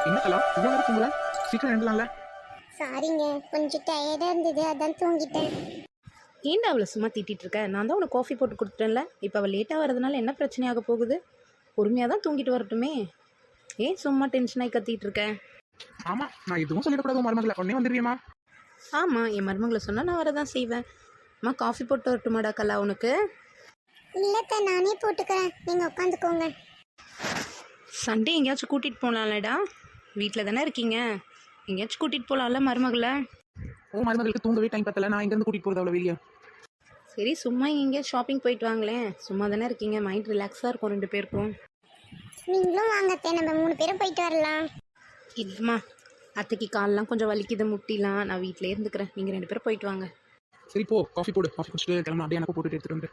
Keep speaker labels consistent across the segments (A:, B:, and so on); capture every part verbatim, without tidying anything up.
A: என்ன கலா இவ்வளோ நேரம் தூங்கல? சீக்கிரம் எழுந்தலாம்ல.
B: சாரிங்க, கொஞ்சம் டயர்டாக இருந்தது, அதான் தூங்கிட்டேன்.
C: ஏன்டா அவளை சும்மா திட்டிகிட்டு இருக்க? நான் தான் உனக்கு காஃபி போட்டு கொடுத்துட்டேன்ல. இப்போ அவள் லேட்டாக வரதுனால என்ன பிரச்சனையாக போகுது? பொறுமையாக தான் தூங்கிட்டு வரட்டுமே. ஏன் சும்மா டென்ஷனாகி கத்திட்டு இருக்க?
A: ஆமா, நான் எதுவும் சொல்லிடக்கூடாது மருமகளை. உடனே வந்துடுவியம்மா?
C: ஆமாம், என் மருமகளை சொன்னால் நான் வரதான் செய்வேன். அம்மா காஃபி போட்டு வரட்டுமாடா கலா உனக்கு?
B: இல்லைத்த, நானே போட்டுக்கிறேன், நீங்கள் உட்காந்துக்கோங்க.
C: சண்டே எங்கேயாச்சும் கூட்டிகிட்டு போகலாம்லடா? வீட்டில் தானே இருக்கீங்க, எங்கேயாச்சும் கூட்டிகிட்டு போகலாம்ல மருமகளை?
A: ஓ, மருமகளுக்கு தூங்கவே டைம் பத்தல. நான் எங்கேருந்து கூட்டிகிட்டு போகிறது அவ்வளோ வெளியே?
C: சரி, சும்மா எங்கேயா ஷாப்பிங் போயிட்டு வாங்களேன். சும்மா தானே இருக்கீங்க, மைண்ட் ரிலாக்ஸாக இருக்கும் ரெண்டு பேருக்கும்.
B: நீங்களும் வாங்கத்தே, நம்ம மூணு பேரும் போயிட்டு வரலாம்.
C: இல்லைம்மா, அத்தைக்கு காலெலாம் கொஞ்சம் வலிக்குது, முட்டிலாம். நான் வீட்டிலே இருந்துக்கிறேன், நீங்கள் ரெண்டு பேரும் போயிட்டு வாங்க.
A: சரி போ, காஃபி போடு. காஃபி குடிச்சிட்டு கிளம்பலாம். அப்படியே எனக்கு போட்டுட்டு எடுத்துட்டு வந்து.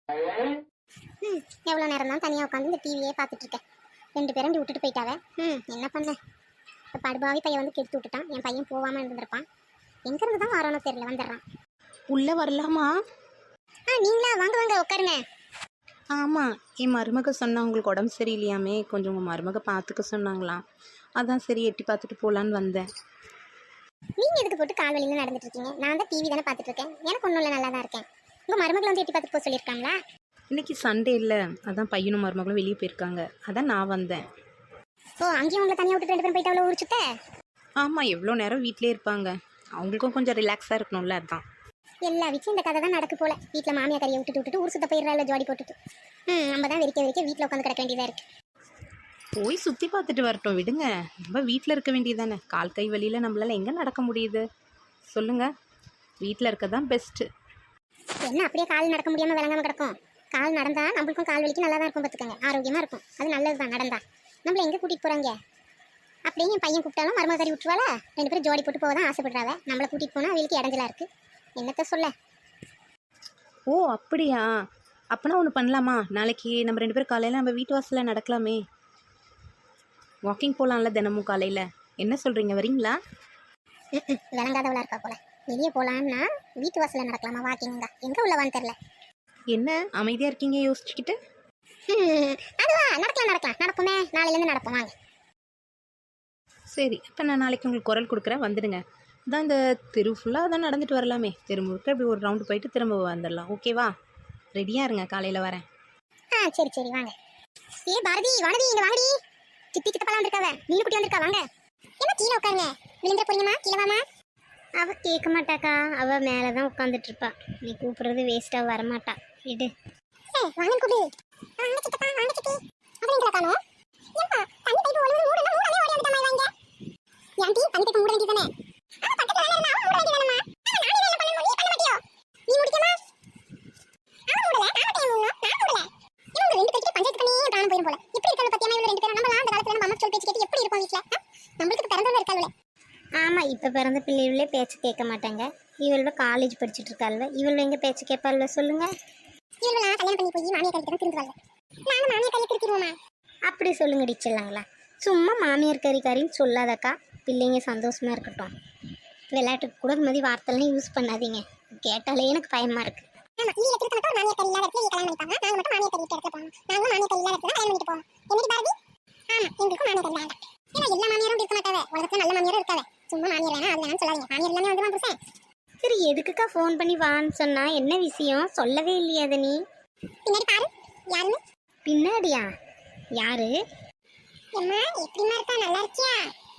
B: ம் எவ்வளோ நேரம் தான் தனியாக உட்காந்து இந்த டிவியே பார்த்துட்டு இருக்கேன். ரெண்டு பேரும் இப்படி விட்டுட்டு போயிட்டாவே. ம் என்ன பண்ண, இப்போ படுபாவி பையன் வந்து கெடுத்து விட்டுட்டான். என் பையன் போகாமல் இருந்திருப்பான். எங்கேருந்து தான் வரானோ தெரியல, வந்துடுறான்.
C: உள்ளே வரலாமா?
B: ஆ நீங்களா? வாங்க வாங்க உட்காருங்க.
C: ஆமாம், என் மருமக சொன்னா உங்களுக்கு உடம்பு சரியில்லையாமே, கொஞ்சம் உங்கள் மருமக பார்த்துக்க சொன்னாங்களாம். அதான் சரி எட்டி பார்த்துட்டு போகலான்னு வந்தேன்.
B: நீங்கள் எதுக்கு போட்டு கால் வலின்னு நடந்துட்டு இருக்கீங்க? நான் தான் டிவி தானே பார்த்துட்டு இருக்கேன். எனக்கு ஒன்றும் இல்லை, நல்லா தான் இருக்கேன். உங்கள் மருமகளை வந்து எட்டி பார்த்துட்டு போக சொல்லியிருக்காங்களா?
C: இன்றைக்கி சண்டே இல்லை, அதான் பையனும் மருமகளும் வெளியே போயிருக்காங்க, அதான் நான் வந்தேன்.
B: ஓ, அங்கேயும் உங்களை தனியாக விட்டுட்டு ரெண்டு பேரும் போயிட்டு அவ்வளோ ஊரிச்சுட்ட?
C: ஆமாம், எவ்வளோ நேரம் வீட்டிலே இருப்பாங்க, அவங்களுக்கும் கொஞ்சம் ரிலாக்ஸாக இருக்கணும்ல, அதுதான்.
B: எல்லா வீட்லையும் இந்த கதை தான் நடக்கு போல. வீட்டில் மாமியா கறியை விட்டுட்டு விட்டுட்டு ஊர் சுத்த போயிடுறாள் ஜோடி போட்டுட்டு. ம் நம்ம தான் வெறிக்க வெறிக்க வீட்டில் உட்காந்து கிடக்க வேண்டியதாக இருக்குது.
C: போய் சுற்றி பார்த்துட்டு வரட்டும், விடுங்க. நம்ம வீட்டில் இருக்க வேண்டியதானே. கால் கை வழியில் நம்மளால் எங்கே நடக்க முடியுது சொல்லுங்கள்? வீட்டில் இருக்க தான் பெஸ்ட்டு.
B: என்ன அப்படியே கால் நடக்க முடியாமல் விளங்காமல் கிடக்கும்? கால் நடந்தால் நம்மளுக்கும் கால் வலிக்கு நல்லா தான் இருக்கும், பார்த்துக்கோங்க. ஆரோக்கியமாக இருக்கும், அது நல்லது தான். நடந்தா நம்மளை எங்கே கூட்டிகிட்டு போகிறாங்க? அப்படியே என் பையன் கூப்பிட்டாலும் மருமக கறி விட்டுருவாளா? ரெண்டு பேரும் ஜோடி போட்டு போக தான் ஆசைப்படுறாவ. நம்மளை கூட்டிகிட்டு போனால் அவளுக்கு இடைஞ்சலாக இருக்குது. என்னத்த சொல்ல?
C: ஓ அப்படியா? அப்போனா ஒன்று பண்ணலாமா? நாளைக்கு நம்ம ரெண்டு பேரும் காலையில் நம்ம வீட்டு வாசலில் நடக்கலாமே. வாக்கிங் போகலாம்ல தினமும் காலையில். என்ன சொல்கிறீங்க, வரீங்களா?
B: ம் விளங்காதவளாக இருக்கா போல. வெளியே போகலான்னா வீட்டு வாசலில் நடக்கலாமா? வாக்கிங் தான் எங்கே உள்ளவான்னு தெரில.
C: என்ன அமைதியாக இருக்கீங்க யோசிச்சுக்கிட்டு?
B: ம் அதுவா, நடக்கலாம் நடக்கலாம், நடப்போமே. நாளையிலேருந்து நடப்போம், வாங்க.
C: சரி, இப்போ நான் நாளைக்கு உங்களுக்கு குரல் கொடுக்குறேன், வந்துடுங்க. அதான் இந்த தெரு ஃபுல்லாக தான் நடந்துட்டு வரலாமே. தெரு முழுக்க இப்படி ஒரு ரவுண்டு போயிட்டு திரும்ப வந்துடலாம். ஓகேவா? ரெடியாக இருங்க, காலையில் வரேன்.
B: ஆ சரி சரி வாங்க. ஏ பாரதி, வானதி, இங்கே வாங்கடி. சித்தி சித்தப்பெல்லாம் வந்திருக்காவ, மீன் குட்டி வந்திருக்கா, வாங்க. என்ன கீழே உட்காருங்க, விழுந்துட போறீங்கம்மா, கீழே வாமா. அவள் கேட்க மாட்டாக்கா, அவள் மேலே தான் உட்காந்துட்டு இருப்பா. நீ கூப்பிடுறது வேஸ்ட்டாக வரமாட்டா, விடு. ஏ வாங்க கூப்பிடு. வாங்க சித்தப்பா, வாங்க சித்தி. அப்புறம் எங்களை காணோம். ஏப்பா தண்ணி பைப்பு ஒழுங்கு மூடணும், மூடவே ஓடி வந்துட்டா மாதிரி வாங்க. ஏன்டி தண்ணி பைப்பு மூட வேண்டியதானே? ஆ பக்கத்துல வேலை இருந்தா அவன் மூட வேண்டியதானம்மா. ஆ நானே வேலை பண்ணணும், நீ பண்ண மாட்டியோ? நீ முடிக்கமா? அவன் மூடல, நான் டைம் மூடணும், நான் மூடல. இவங்க ரெண்டு பேருக்கு பஞ்சாயத்து பண்ணி பிராணம் போயிடும் போல. எப்படி இருக்காங்க பத்தியமா இவங்க ரெண்டு பேரும்? நம்ம அந்த காலத்துல நம்ம அம்மா சொல் பேச்சு கேட்டு எப்படி இருக்கும் வீட்டுல? நம்மளுக்கு பிறந்தவங்க இருக்காங்களே. ஆமாம், இப்போ பிறந்த பிள்ளைகளே பேச்சு கேட்க மாட்டாங்க. இவளோட காலேஜ் படிச்சுட்டு இருக்காள்வ, இவள் எங்கே பேச்சு கேட்பாள்வ சொல்லுங்க? இவளெல்லாம் கல்யாணம் பண்ணி போய் மாமியார் கறிக்கு தான் திருந்துவாங்க. நாங்கள் மாமியார் கறியை திருத்திடுவோமா? அப்படி சொல்லுங்க டிச்சிடலாங்களா? சும்மா மாமியார் கறி கறின்னு சொல்லாதக்கா, பிள்ளைங்க சந்தோஷமா இருக்கட்டும். விளையாட்டுக்கு கூட இது மாதிரி வார்த்தைலாம் யூஸ் பண்ணாதீங்க, கேட்டாலே எனக்கு பயமாக இருக்குது. ஆமா, நீங்க திருத்த மட்டும் மாமியார் கறி இல்லாத இடத்துல கல்யாணம் பண்ணிப்பாங்க. நாங்க மட்டும் மாமியார் கறி இடத்துல போவோம். நாங்களும் மாமியார் கறி இல்லாத இடத்துல கல்யாணம் பண்ணிட்டு போவோம். என்னடி பாரதி? ஆமா, எங்களுக்கும் மாமியார் கறி வேண்டாம். ஏன்னா எல்லா மாமியாரும் இருக்க மாட்டாவே, உலகத்துல நல்ல மாமியாரும் இருக்காவே. சும்மா மாமியார் வேணா அது வேணாம்னு சொல்லாதீங்க. மாமியார் எல்லாமே வந்து வந்துருச்சேன். சரி, எதுக்குக்கா ஃபோன் பண்ணி வான்னு சொன்னா? என்ன விஷயம் சொல்லவே இல்லையா? அது நீ பின்னாடி பாரு, யாருன்னு. பின்னாடியா? யாரு? எம்மா எப்படிமா இருக்கா, நல்லா இருக்கியா?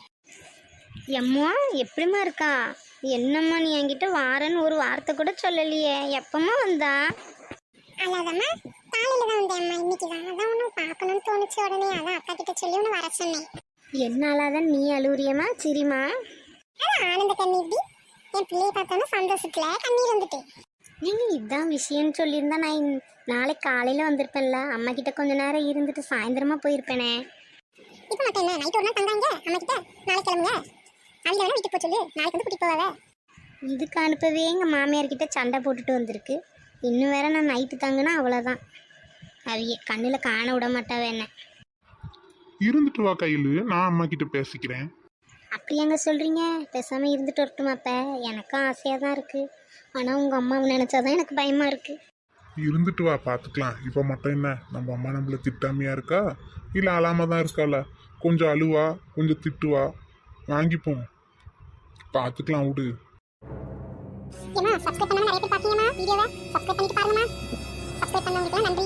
B: எம்மா எப்படிமா இருக்கா? என்னம்மா நீ என்கிட்ட வாரன்னு ஒரு வார்த்தை கூட சொல்லலையே, எப்பமா வந்தா? அல்லாதம்மா, காலையில தான் வந்தேன் இன்னைக்கு தான். அதான் ஒன்று பார்க்கணும்னு தோணுச்சு, உடனே அதான் அக்கா கிட்ட சொல்லி ஒன்று வர சொன்னேன். என்னாலதான் நீ அழுவுறியம்மா? சரிம்மா. அதான் ஆனந்த கண்ணீர் டி. என் பிள்ளையை பார்த்தோன்னா சந்தோஷத்துல கண்ணீர் வந்துட்டு. நீங்கள் இதான் விஷயம்னு சொல்லியிருந்தா நான் இன்- நாளைக்கு காலையில் வந்திருப்பேன்ல. அம்மா கிட்ட கொஞ்ச நேரம் இருந்துட்டு சாயந்தரமா போயிருப்பேனே. இப்போ மட்டும் என்ன, நைட் ஒரு நாள் தங்காங்க அம்மா கிட்ட. நாளைக்கு கிளம்புங்க, அவங்க வேணா வீட்டுக்கு போக சொல்லு, நாளைக்கு வந்து கூட்டிட்டு போவாவே. இதுக்கு அனுப்பவே எங்கள் மாமியார் கிட்ட சண்டை போட்டுட்டு வந்திருக்கு. இன்னும் வேற நான் நைட்டு தங்கினா அவ்வளோதான், அவிய கண்ணில் காண விட மாட்டாவே என்ன.
D: இருந்துட்டு வா கையில், நான் அம்மா கிட்ட பேசிக்கிறேன்.
B: அப்படி எங்க சொல்கிறீங்க? பேசாமல் இருந்துட்டு வரட்டுமாப்ப? எனக்கும் ஆசையாக தான் இருக்குது, ஆனால் உங்கள் அம்மாவை நினச்சாதான் எனக்கு பயமாக இருக்குது.
D: இருந்துட்டு வா, பார்த்துக்கலாம். இப்போ மட்டும் என்ன, நம்ம அம்மா நம்மள திட்டாமையா இருக்கா இல்லை அழாம தான் இருக்காளா? கொஞ்சம் அழுவா கொஞ்சம் திட்டுவா வாங்கிப்போம் பார்த்துக்கலாம் விடு.
B: ஏமா சப்ஸ்கிரைப் பண்ணாம நிறைய பேர் பாத்தீங்கம்மா வீடியோவை சப்ஸ்கிரைப் பண்ணிட்டு பாருங்கம்மா. சப்ஸ்கிரைப் பண்ணவங்களுக்கு நன்றி.